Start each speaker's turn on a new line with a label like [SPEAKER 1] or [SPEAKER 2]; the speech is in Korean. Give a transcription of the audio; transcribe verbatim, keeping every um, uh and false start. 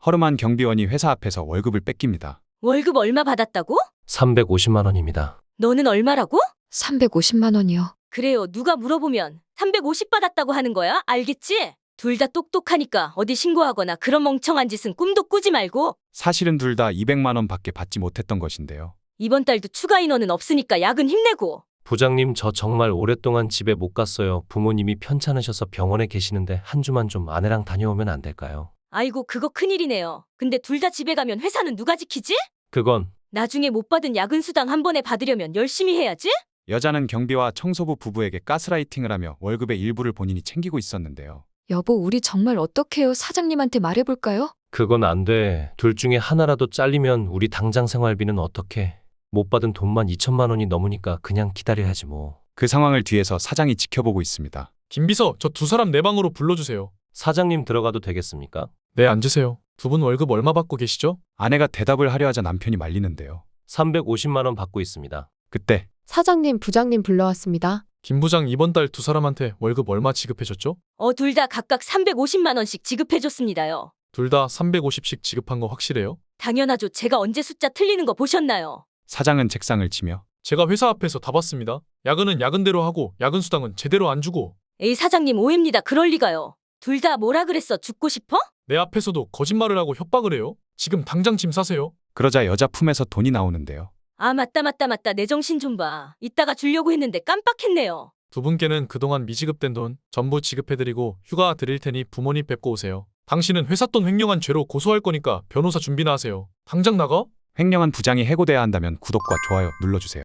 [SPEAKER 1] 허름한 경비원이 회사 앞에서 월급을 뺏깁니다.
[SPEAKER 2] 월급 얼마 받았다고?
[SPEAKER 3] 삼백오십만 원입니다.
[SPEAKER 2] 너는 얼마라고?
[SPEAKER 4] 삼백오십만 원이요.
[SPEAKER 2] 그래요. 누가 물어보면 삼백오십 받았다고 하는 거야. 알겠지? 둘 다 똑똑하니까 어디 신고하거나 그런 멍청한 짓은 꿈도 꾸지 말고.
[SPEAKER 1] 사실은 둘 다 이백만 원밖에 받지 못했던 것인데요.
[SPEAKER 2] 이번 달도 추가 인원은 없으니까 야근 힘내고.
[SPEAKER 3] 부장님, 저 정말 오랫동안 집에 못 갔어요. 부모님이 편찮으셔서 병원에 계시는데 한 주만 좀 아내랑 다녀오면 안 될까요?
[SPEAKER 2] 아이고 그거 큰일이네요. 근데 둘 다 집에 가면 회사는 누가 지키지?
[SPEAKER 3] 그건
[SPEAKER 2] 나중에 못 받은 야근 수당 한 번에 받으려면 열심히 해야지?
[SPEAKER 1] 여자는 경비와 청소부 부부에게 가스라이팅을 하며 월급의 일부를 본인이 챙기고 있었는데요.
[SPEAKER 4] 여보, 우리 정말 어떡해요? 사장님한테 말해볼까요?
[SPEAKER 3] 그건 안 돼. 둘 중에 하나라도 잘리면 우리 당장 생활비는 어떻게? 못 받은 돈만 이천만 원이 넘으니까 그냥 기다려야지 뭐.
[SPEAKER 1] 그 상황을 뒤에서 사장이 지켜보고 있습니다.
[SPEAKER 5] 김비서, 저 두 사람 내 방으로 불러주세요.
[SPEAKER 3] 사장님 들어가도 되겠습니까?
[SPEAKER 5] 네, 앉으세요. 두 분 월급 얼마 받고 계시죠?
[SPEAKER 1] 아내가 대답을 하려 하자 남편이 말리는데요.
[SPEAKER 3] 삼백오십만 원 받고 있습니다.
[SPEAKER 1] 그때
[SPEAKER 6] 사장님, 부장님 불러왔습니다.
[SPEAKER 5] 김 부장 이번 달 두 사람한테 월급 얼마 지급해줬죠?
[SPEAKER 2] 어, 둘 다 각각 삼백오십만 원씩 지급해줬습니다요.
[SPEAKER 5] 둘 다 삼백오십씩 지급한 거 확실해요?
[SPEAKER 2] 당연하죠. 제가 언제 숫자 틀리는 거 보셨나요?
[SPEAKER 1] 사장은 책상을 치며
[SPEAKER 5] 제가 회사 앞에서 다 봤습니다. 야근은 야근대로 하고 야근 수당은 제대로 안 주고.
[SPEAKER 2] 에이 사장님 오해입니다. 그럴 리가요. 둘 다 뭐라 그랬어? 죽고 싶어?
[SPEAKER 5] 내 앞에서도 거짓말을 하고 협박을 해요. 지금 당장 짐 싸세요.
[SPEAKER 1] 그러자 여자 품에서 돈이 나오는데요.
[SPEAKER 2] 아 맞다 맞다 맞다. 내 정신 좀 봐. 이따가 주려고 했는데 깜빡했네요.
[SPEAKER 5] 두 분께는 그동안 미지급된 돈 전부 지급해드리고 휴가 드릴 테니 부모님 뵙고 오세요. 당신은 회사 돈 횡령한 죄로 고소할 거니까 변호사 준비나 하세요. 당장 나가?
[SPEAKER 1] 횡령한 부장이 해고돼야 한다면 구독과 좋아요 눌러주세요.